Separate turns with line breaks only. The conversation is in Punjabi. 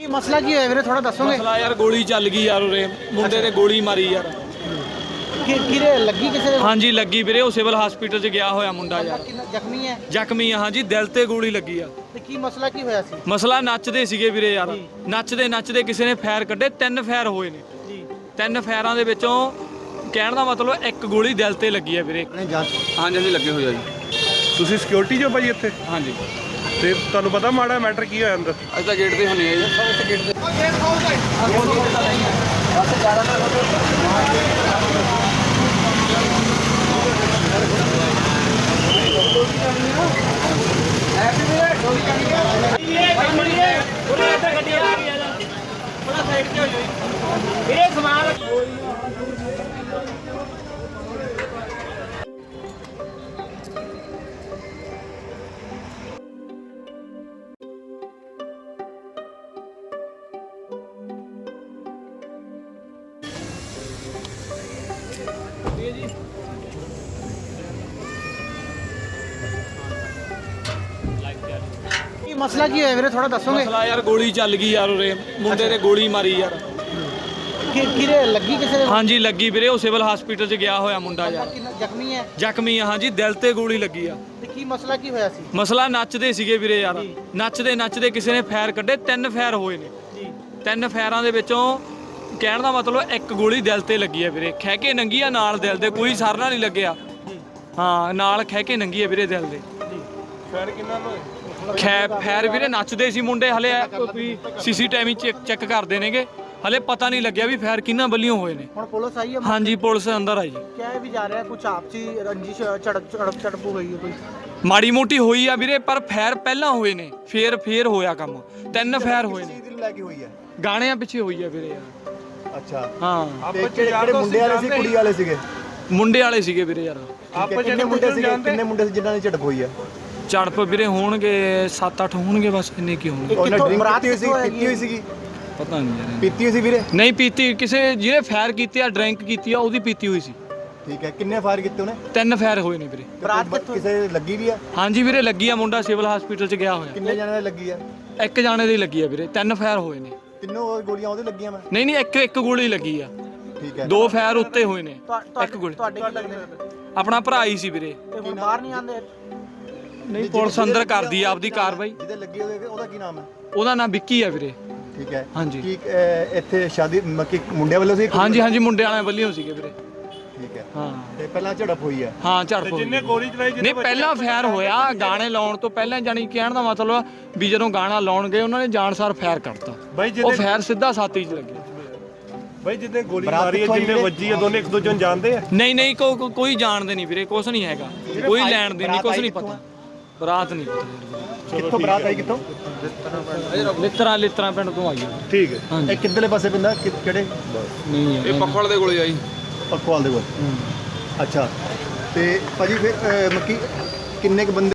ਮਸਲਾ ਕੀ ਹੋਇਆ ਵੀਰੇ ਥੋੜਾ ਦੱਸੋਗੇ?
ਮਸਲਾ ਯਾਰ ਗੋਲੀ ਚੱਲ ਗਈ ਯਾਰ ਉਰੇ ਮੁੰਡੇ ਤੇ ਗੋਲੀ ਮਾਰੀ ਯਾਰ।
ਕਿਰੇ ਲੱਗੀ ਕਿਸੇ ਦੇ?
ਹਾਂਜੀ ਲੱਗੀ ਵੀਰੇ, ਉਹ ਸਿਵਲ ਹਸਪੀਟਲ 'ਚ ਗਿਆ ਹੋਇਆ ਮੁੰਡਾ ਯਾਰ।
ਜ਼ਖਮੀ ਹੈ?
ਜ਼ਖਮੀ ਆ ਹਾਂਜੀ, ਦਿਲ ਤੇ ਗੋਲੀ ਲੱਗੀ ਆ।
ਤੇ ਕੀ ਮਸਲਾ ਕੀ ਹੋਇਆ ਸੀ?
ਮਸਲਾ ਨੱਚਦੇ ਸੀਗੇ ਵੀਰੇ ਯਾਰ, ਨੱਚਦੇ ਕਿਸੇ ਨੇ ਫਾਇਰ ਕੱਢੇ, 3 ਫਾਇਰ ਹੋਏ ਨੇ ਜੀ। 3 ਫਾਇਰਾਂ ਦੇ ਵਿੱਚੋਂ ਕਹਿਣ ਦਾ ਮਤਲਬ 1 ਗੋਲੀ ਦਿਲ ਤੇ ਲੱਗੀ ਆ ਵੀਰੇ।
ਹਾਂਜੀ ਲੱਗੇ ਹੋਏ ਆ ਜੀ।
ਤੁਸੀਂ ਸਿਕਿਉਰਿਟੀ ਜੋ ਭਾਈ ਇੱਥੇ?
ਹਾਂਜੀ
ਤੇ ਤੁਹਾਨੂੰ ਪਤਾ ਮਾੜਾ ਮੈਟਰ ਕੀ ਹੋਇਆ ਅੰਦਰ?
ਅਸੀਂ ਤਾਂ ਗੇਟ ਤੇ ਹੁੰਨੇ ਆ ਜੀ। ਗੇਟ ਤੇ
ਕੀ ਮਸਲਾ ਕੀ ਹੋਇਆ ਵੀਰੇ ਥੋੜਾ ਦੱਸੋਗੇ?
ਮਸਲਾ ਯਾਰ ਗੋਲੀ ਚੱਲ ਗਈ ਯਾਰ ਉਰੇ ਮੁੰਡੇ ਤੇ ਗੋਲੀ ਮਾਰੀ ਯਾਰ।
ਕਿਰੇ ਲੱਗੀ ਕਿਸੇ ਦੇ?
ਹਾਂਜੀ ਲੱਗੀ ਵੀਰੇ, ਉਹ ਸਿਵਲ ਹਸਪੀਟਲ 'ਚ ਗਿਆ ਹੋਇਆ ਮੁੰਡਾ ਯਾਰ।
ਜ਼ਖਮੀ ਹੈ?
ਜ਼ਖਮੀ ਆ ਹਾਂਜੀ, ਦਿਲ ਤੇ ਗੋਲੀ ਲੱਗੀ ਆ।
ਤੇ ਕੀ ਮਸਲਾ ਕੀ ਹੋਇਆ ਸੀ?
ਮਸਲਾ ਨੱਚਦੇ ਸੀਗੇ ਵੀਰੇ ਯਾਰ, ਨੱਚਦੇ ਕਿਸੇ ਨੇ ਫਾਇਰ ਕੱਢੇ, 3 ਫਾਇਰ ਹੋਏ ਨੇ ਜੀ। 3 ਫਾਇਰਾਂ ਦੇ ਵਿੱਚੋਂ ਕਹਿਣ ਦਾ ਮਤਲਬ 1 ਗੋਲੀ ਦਿਲ ਤੇ ਲੱਗੀ ਆ ਵੀਰੇ। ਖਹਿ ਕੇ ਨੰਗੀ ਆ ਨਾਲ ਦਿਲ ਦੇ, ਕੋਈ ਸਰਨਾ ਨਹੀਂ ਲੱਗਿਆ। ਹਾਂ ਨਾਲ ਖਹਿ ਕੇ ਨੰਗੀ ਆ ਵੀਰੇ ਦਿਲ ਦੇ।
ਫਾਇਰ ਕਿੰਨਾ ਹੋਇਆ?
ਫਾਇਰ ਵੀਰੇ ਨੱਚਦੇ ਸੀ ਮੁੰਡੇ, ਹਲੇ ਕੋਈ ਸੀਸੀਟੀਵੀ ਚੈੱਕ ਕਰਦੇ ਨੇਗੇ, ਹਲੇ ਪਤਾ ਨਹੀਂ ਲੱਗਿਆ ਵੀ ਫਾਇਰ ਕਿੰਨਾਂ ਵੱਲੋਂ ਹੋਏ ਨੇ।
ਹੁਣ ਪੁਲਿਸ ਆਈ ਹੈ?
ਹਾਂਜੀ ਪੁਲਿਸ ਅੰਦਰ ਆਈ ਜੀ।
ਕਿਹਾ ਵੀ ਜਾ ਰਿਹਾ ਕੁਝ ਆਪਸੀ ਰੰਜਿਸ਼ ਝੜਪ ਹੋ ਗਈ ਹੈ ਕੋਈ?
ਮਾੜੀ ਮੋਟੀ ਹੋਈ ਆ ਵੀਰੇ, ਪਰ ਫਾਇਰ ਪਹਿਲਾਂ ਹੋਏ ਨੇ, ਫੇਰ ਹੋਇਆ ਕੰਮ। 3 ਫਾਇਰ ਹੋਏ ਨੇ।
ਚੀਜ਼ ਲੈ ਕੇ ਹੋਈ ਹੈ?
ਗਾਣਿਆਂ ਪਿੱਛੇ ਹੋਈ ਆ ਵੀਰੇ ਯਾਰ।
ਅੱਛਾ
ਹਾਂ
ਤੇ ਕਿਹੜੇ ਮੁੰਡੇ ਵਾਲੇ ਸੀ ਕੁੜੀ ਵਾਲੇ ਸੀਗੇ?
ਮੁੰਡੇ ਵਾਲੇ ਸੀਗੇ ਵੀਰੇ ਯਾਰ।
ਕਿੰਨੇ ਮੁੰਡੇ ਸੀਗੇ? ਕਿੰਨੇ ਮੁੰਡੇ ਸੀ ਜਿਨ੍ਹਾਂ ਨੇ ਝੜਪ ਹੋਈ ਹੈ?
ਝੜਪ ਵੀਰੇ ਹੋਣਗੇ 7-8 ਹੋਣਗੇ ਬਸ, ਇੰਨੇ ਕੀ ਹੋਣਗੇ।
ਉਹਨਾਂ
ਕਿੱਥੋਂ
ਡਰਿੰਕ
ਬਰਾਤ
ਪੀਤੀ ਹੋਈ ਸੀਗੀ?
ਪਤਾ ਨਹੀਂ ਯਾਰ।
ਪੀਤੀ ਹੋਈ ਸੀ ਵੀਰੇ?
ਨਹੀਂ ਪੀਤੀ, ਕਿਸੇ ਜਿਹਨੇ ਫਾਇਰ ਕੀਤੀ ਆ, ਡਰਿੰਕ ਕੀਤੀ ਆ, ਉਹਦੀ ਪੀਤੀ ਹੋਈ ਸੀ।
ਠੀਕ ਹੈ, ਕਿੰਨੇ ਫਾਇਰ ਕੀਤੇ ਉਹਨੇ?
3 ਫਾਇਰ ਹੋਏ ਨੇ ਵੀਰੇ।
ਬਰਾਤ ਕਿੱਥੋਂ?
ਕਿਸੇ ਲੱਗੀ ਵੀ ਆ?
ਹਾਂਜੀ ਵੀਰੇ ਲੱਗੀ ਆ, ਮੁੰਡਾ ਸਿਵਲ ਹਸਪੀਟਲ 'ਚ ਗਿਆ ਹੋਇਆ।
ਕਿੰਨੇ ਜਣਿਆਂ ਦੀ ਲੱਗੀ ਆ?
1 ਜਾਣੇ ਦੀ ਲੱਗੀ ਆ ਵੀਰੇ, 3 ਫਾਇਰ ਹੋਏ ਨੇ।
ਤਿੰਨੋਂ ਗੋਲੀਆਂ ਉਹਦੇ ਲੱਗੀਆਂ? ਮੈਂ
ਨਹੀਂ ਇੱਕ ਗੋਲੀ ਲੱਗੀ ਆ।
ਠੀਕ ਹੈ।
2 ਫਾਇਰ ਉੱਤੇ ਹੋਏ ਨੇ। 1 ਗੋਲੀ
ਤੁਹਾਡੇ ਕੀ ਲੱਗਦੇ?
ਆਪਣਾ ਭਰਾ ਹੀ ਸੀ ਵੀਰੇ।
ਤੇ ਹੁਣ ਬਾਹਰ ਨਹੀਂ ਆਉਂਦੇ?
ਨਹੀਂ ਪੁਲਿਸ ਅੰਦਰ ਕਰਦੀ ਆ ਆਪਦੀ ਕਾਰਵਾਈ।
ਜਿਹਦੇ ਲੱਗੀ ਉਹਦਾ ਕੀ ਨਾਮ ਹੈ?
ਉਹਦਾ ਨਾਮ ਵਿੱਕੀ ਆ ਵੀਰੇ।
ਠੀਕ ਹੈ।
ਹਾਂਜੀ।
ਕੀ ਇੱਥੇ ਸ਼ਾਦੀ ਮੱਕੀ ਮੁੰਡਿਆਂ ਵੱਲੋਂ ਸੀ?
ਹਾਂਜੀ ਮੁੰਡੇ ਵਾਲਿਆਂ ਵੱਲੋਂ ਸੀਗੇ ਵੀਰੇ।
ਠੀਕ ਹੈ।
ਹਾਂ
ਤੇ ਪਹਿਲਾਂ ਝੜਪ ਹੋਈ ਹੈ?
ਹਾਂ ਝੜਪ ਹੋਈ।
ਜਿੰਨੇ ਗੋਲੀ ਚਲਾਈ
ਨਹੀਂ ਪਹਿਲਾਂ ਫਾਇਰ ਹੋਇਆ, ਗਾਣੇ ਲਾਉਣ ਤੋਂ ਪਹਿਲਾਂ, ਜਾਣੀ ਕਹਿਣ ਦਾ ਮਤਲਬ ਵੀ ਜਦੋਂ ਗਾਣਾ ਲਾਉਣ ਗਏ ਉਹਨਾਂ ਨੇ ਜਾਣਸਾਰ ਫਾਇਰ ਕਰਤਾ। ਉਹ ਫਾਇਰ ਸਿੱਧਾ ਛਾਤੀ 'ਚ ਲੱਗਿਆ।
ਬਾਈ ਜਿੱਦੇ ਗੋਲੀ ਮਾਰੀ ਹੈ, ਜਿੰਨੇ ਵੱਜੀ ਹੈ, ਦੋਨੇ ਇੱਕ ਦੂਜੇ ਨੂੰ ਜਾਣਦੇ ਆ?
ਨਹੀਂ ਕੋਈ ਜਾਣਦੇ ਨਹੀਂ ਵੀਰੇ, ਕੁਛ ਨਹੀਂ ਹੈਗਾ, ਕੋਈ ਲੈਣ ਦੇ ਨਹੀਂ, ਕੁਛ ਨਹੀਂ ਪਤਾ। ਬਰਾਤ ਨਹੀਂ ਪਤਾ।
ਕਿੱਥੋਂ ਬਰਾਤ ਆਈ? ਕਿੱਥੋਂ?
ਲਿੱਤਰਾ ਪਿੰਡ ਤੋਂ ਆਈ ਆ।
ਠੀਕ ਹੈ।
ਇਹ ਕਿੱਧਰਲੇ ਪਾਸੇ ਪੈਂਦਾ? ਕਿਹੜੇ?
ਨਹੀਂ
ਇਹ ਪੱਖਵਾਲ ਦੇ ਕੋਲੇ ਆਈ।
ਪੱਖਵਾਲ ਦੇ ਕੋਲ? ਅੱਛਾ। ਤੇ ਭਾਜੀ ਫਿਰ ਮੱਕੀ ਕਿੰਨੇ ਕ ਬੰਦੇ